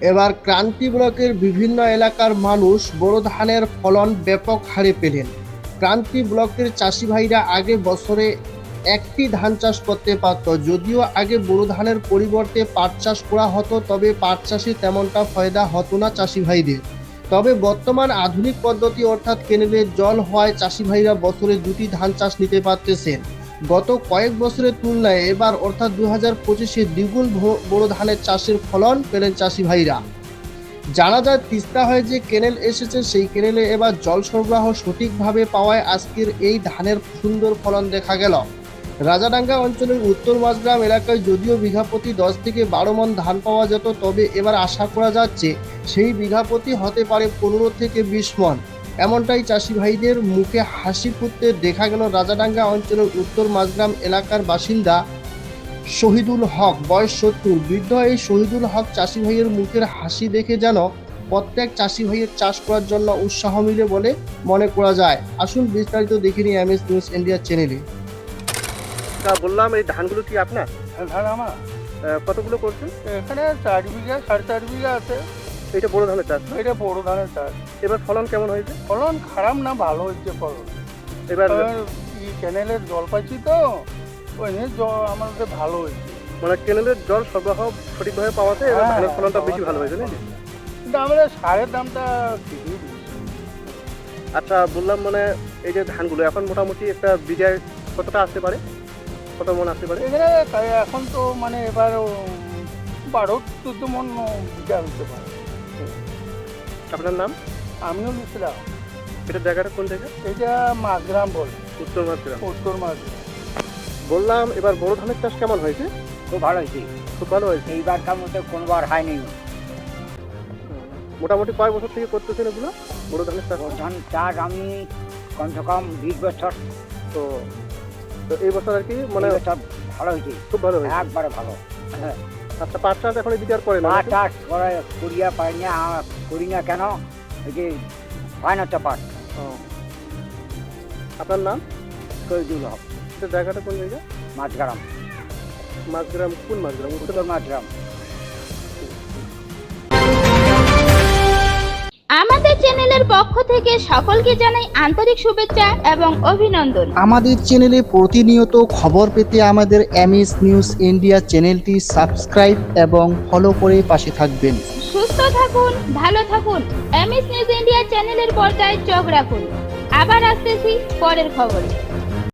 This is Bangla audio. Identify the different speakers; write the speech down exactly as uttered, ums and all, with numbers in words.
Speaker 1: এবার ক্রান্তি ব্লকের বিভিন্ন এলাকার মানুষ বোরো ধানের ফলন ব্যাপক হারে পেলেন। ক্রান্তি ব্লকের চাষি ভাইরা আগে বছরে একটি ধান চাষ করতে পারত। যদিও আগে বোরো ধানের পরিবর্তে পাট চাষ করা হতো, তবে পাট চাষে তেমনটা ফায়দা হতো না চাষি ভাইদের। তবে বর্তমান আধুনিক পদ্ধতি অর্থাৎ কেনেলের জল হওয়ায় চাষি ভাইরা বছরে দুটি ধান চাষ নিতে পারতেছেন। গত কয়েক বছরের তুলনায় এবার অর্থাৎ দুই হাজার পঁচিশে দ্বিগুণ বোরো ধানের চাষের ফলন পেলেন চাষি ভাইরা। জানা যায় তিস্তা হয়ে যে কেনেল এসেছে, সেই কেনেলে এবার জল সরবরাহ সঠিকভাবে পাওয়ায় আজকের এই ধানের সুন্দর ফলন দেখা গেল। রাজাডাঙ্গা অঞ্চলের উত্তর মাঝগ্রাম এলাকায় যদিও বিঘা প্রতি দশ থেকে বারো মন ধান পাওয়া যেত, তবে এবার আশা করা যাচ্ছে সেই বিঘা প্রতি হতে পারে পনেরো থেকে বিশ মন। এমনটাই চাষি ভাইদের মুখে হাসি ফুটতে দেখা গেল রাজাডাঙ্গা অঞ্চলের উত্তর মাঝগ্রাম এলাকার বাসিন্দা শহীদুল হক, বয়স সত্তর। বৃদ্ধ এই শহীদুল হক চাষি ভাইয়ের মুখের হাসি দেখে যেন প্রত্যেক চাষি ভাইয়ের চাষ করার জন্য উৎসাহ মিলে বলে মনে করা যায়। আসুন বিস্তারিত দেখে নিই এমএস নিউজ ইন্ডিয়া চ্যানেলে। তা বললাম, এই ধানগুলো কি আপনার?
Speaker 2: ধান আমার
Speaker 1: কতগুলো করছেন?
Speaker 2: এখানে চার বিঘা সাড়ে চার বিঘা আছে।
Speaker 1: এটা বড় ধানের চাষ।
Speaker 2: এটা বড় ধানের চাষ।
Speaker 1: এবার ফলন কেমন হয়েছে?
Speaker 2: ফলন খারাপ না, ভালো হচ্ছে ফলন।
Speaker 1: এবার
Speaker 2: এই ক্যানেলের জল পাচ্ছি তো, ওই নিয়ে জল আমাদের ভালো হয়েছে।
Speaker 1: মানে ক্যানেলের জল সরবরাহ সঠিকভাবে পাওয়াতে এবার
Speaker 2: হ্যাঁ,
Speaker 1: ধানের ফলনটা বেশি ভালো হয়েছে, নাকি?
Speaker 2: কিন্তু আমাদের সারের দামটা ঠিকই দিচ্ছে।
Speaker 1: আচ্ছা, বললাম মানে এই যে ধানগুলো এখন মোটামুটি একটা বিঘায় কতটা আসতে পারে, কত মন আসতে পারে?
Speaker 2: এখানে তাই এখন তো মানে এবার উম, বারো চোদ্দ মন বিঘা হতে পারে।
Speaker 1: আপনার নাম?
Speaker 2: আমিও নিচ্ছিলাম।
Speaker 1: এটা জায়গাটা কোন জায়গা?
Speaker 2: এটা মাঝগ্রাম বলে,
Speaker 1: উত্তর মাঝগ্রাম।
Speaker 2: উত্তর মাঝগ্রাম।
Speaker 1: বললাম, এবার বড় ধানের চাষ কেমন হয়েছে?
Speaker 3: খুব ভালো হয়েছে।
Speaker 1: খুব ভালো হয়েছে।
Speaker 3: এইবারকার মতো কোনবার হয়নি।
Speaker 1: মোটামুটি কয় বছর থেকে করতেছেন এগুলো বড় ধানের চাষ?
Speaker 3: ধান চাষ আমি কমসে কম বিশ বছর।
Speaker 1: তো তো এই বছর আর কি মানে
Speaker 3: এই বছর ভালো হয়েছে,
Speaker 1: খুব ভালো হয়েছে।
Speaker 3: একবারে ভালো। হ্যাঁ,
Speaker 1: আচ্ছা, পাট চাষ এখন এদিকে আর করে না?
Speaker 3: পাট চাষ করে করিয়া পাই না, আ- করি না কেন, এই যে হয় না তো পাট।
Speaker 1: ও। আপনার নাম?
Speaker 3: শহীদুল হক,
Speaker 1: এটা জায়গাটা কোন জায়গা?
Speaker 3: মাঝগ্রাম,
Speaker 1: মাঝগ্রাম। কোন মাঝগ্রাম? উত্তর।
Speaker 3: উত্তর মাঝগ্রাম।
Speaker 4: আমাদের চ্যানেলের পক্ষ থেকে সকলকে জানাই আন্তরিক শুভেচ্ছা এবং অভিনন্দন।
Speaker 5: আমাদের চ্যানেলে প্রতিনিয়ত খবর পেতে আমাদের এমএস নিউজ ইন্ডিয়া চ্যানেলটি সাবস্ক্রাইব এবং ফলো করে পাশে থাকবেন।
Speaker 4: সুস্থ থাকুন, ভালো থাকুন। এমএস নিউজ ইন্ডিয়া চ্যানেলের পর্দায় চোখ রাখুন। আবার আসতেছি পরের খবরে।